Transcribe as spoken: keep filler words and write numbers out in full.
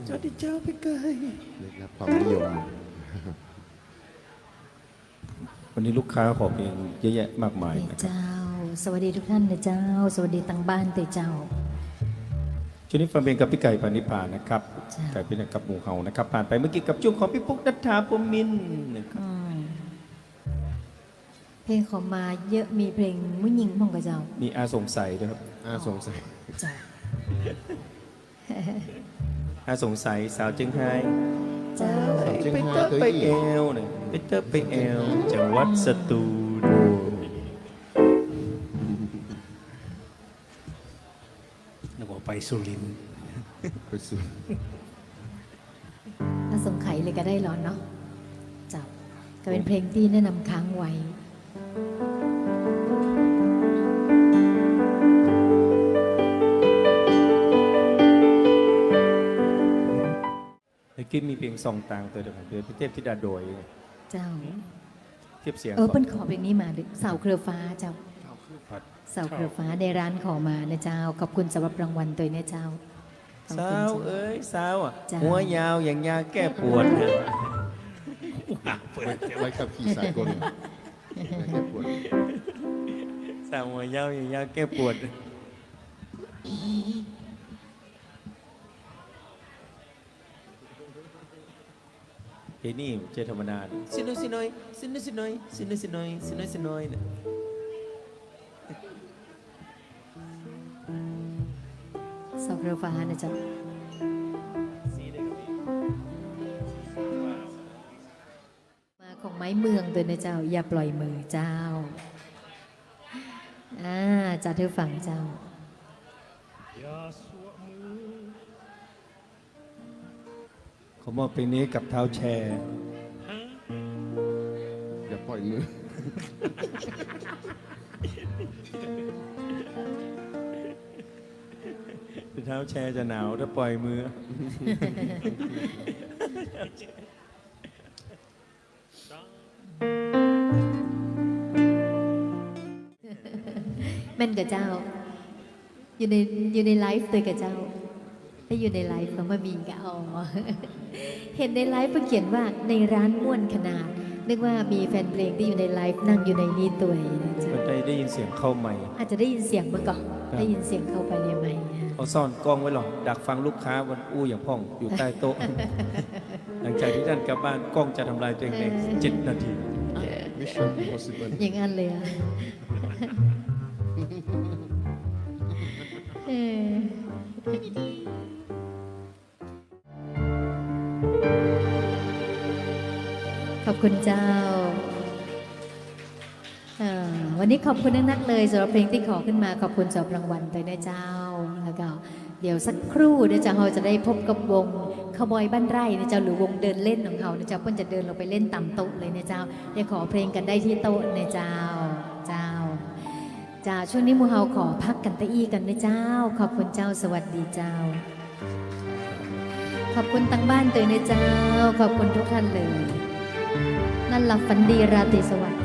สวัสดีเจ้าพี่เกยได้รับความนิยมวันนี้ลูกค้าขอเพลงเยอะแยะมากมายนะครับเจ้าสวัสดีทุกท่านนะเจ้าสวัสดีทางบ้านเตเจ้าช่วงนี้ฟังเพลงกับพี่ไก่ปานิพานะครับจ้ะไก่เป็นกับหมูเฮานะครับผ่านไปเมื่อกี้กับช่วงของพี่ปุ๊กนัทธาพรหมมินทร์นะครับอืมเพลงขอมาเยอะมีเพลงมุ้งยิงพ่องกับเจ้ามีอาสงสัยด้วยครับอาสงสัยเจ้าอาสงสัยสาวเจียงไฮ้เจ้าไปเตอร์ไปเอลเนี่ยไปเตอร์ไปเอลจังหวัดสตูลนึกว่าไปสุรินทร์ไปสู่ถ้าสงไขเลยก็ได้ร้อนเนาะเจ้าก็เป็นเพลงที่แนะนำค้างไว้เมื่อกี้มีเพลงซองต่างตัวเดียวกันเป็นพี่เทพธิดาโดยเจ้าเทียบเสียงเออก่อเปิ้นนขอเพลงนี้มาดิเสาเครือฟ้าเจ้าครับเสาเครือฟ้าในร้านขอมานะเจ้าขอบคุณสำหรับรางวัลตัวนะเจ้าขอบสาคุณวเจ้าเอ้ยสาวอ่ะจ้ะหัวยาวอย่างยาแก้ปวดนะไว้ขับขี่สากลไม่แค่ปวดสาวหัวยาวอย่างยาแก้ปวดเพลงนี้เจธรรมดาสิน้อยสิน้อยสิน้อยสิน้อยสิน้อยสิน้อยสิน้อยสิน้อยเนี่ยเสาเครือฟ้านะเจ้ามาของไม้เมืองตัวนะเจ้า อย่าปล่อยมือเจ้าอ่าจัดเธอฟังเจ้าขอมอบเพลงนี้กับเท้าแชร์อย่าปล่อยมือเท้าแชร์จะหนาวถ้าปล่อยมือแม่นกับเจ้า อยู่ในอยู่ในไลฟ์เลยกับเจ้า ถ้าอยู่ในไลฟ์เขามามีก็เอา เห็นในไลฟ์เพิ่งเขียนว่าในร้านม่วนขนาด นึกว่ามีแฟนเพลงที่อยู่ในไลฟ์นั่งอยู่ในนี้ตัวเองนะเจ้ามันได้ได้ยินเสียงเข้าใหม่อาจจะได้ยินเสียงมาก่อนครับได้ยินเสียงเข้าไปในไมค์เขาซ่อนกล้องไว้หรอกดักฟังลูกค้าวันอู้อย่างพ่องอยู่ใต้โต๊ะ หลังจากที่ท่านกลับบ้านกล้องจะทำลายตัวเองในเจ็ดนาที Mission Impossible อย่างนั้นเลยอะเออขอบคุณเจ้าเอ่อวันนี้ขอบคุณนักๆเลยสำหรับเพลงที่ขอขึ้นมาขอบคุณสำหรับรางวัลด้วยนะเจ้าแล้วก็เดี๋ยวสักครู่เดี๋ยวจะเราจะได้พบกับวงขบอยบ้านไร่นะเจ้าหรือวงเดินเล่นของเขานะเจ้าเพิ่นจะเดินลงไปเล่นตามโต๊ะเลยนะเจ้าเดี๋ยวขอเพลงกันได้ที่โต๊ะนะเจ้าเจ้าจ้าช่วงนี้หมูเฮาขอพักกันตะอี้กันนะเจ้า ขอบคุณเจ้าสวัสดีเจ้า ขอบคุณตั้งบ้านตัวนะเจ้า ขอบคุณทุกท่านเลย นั่นหลับฝันดีราตรีสวัสดิ์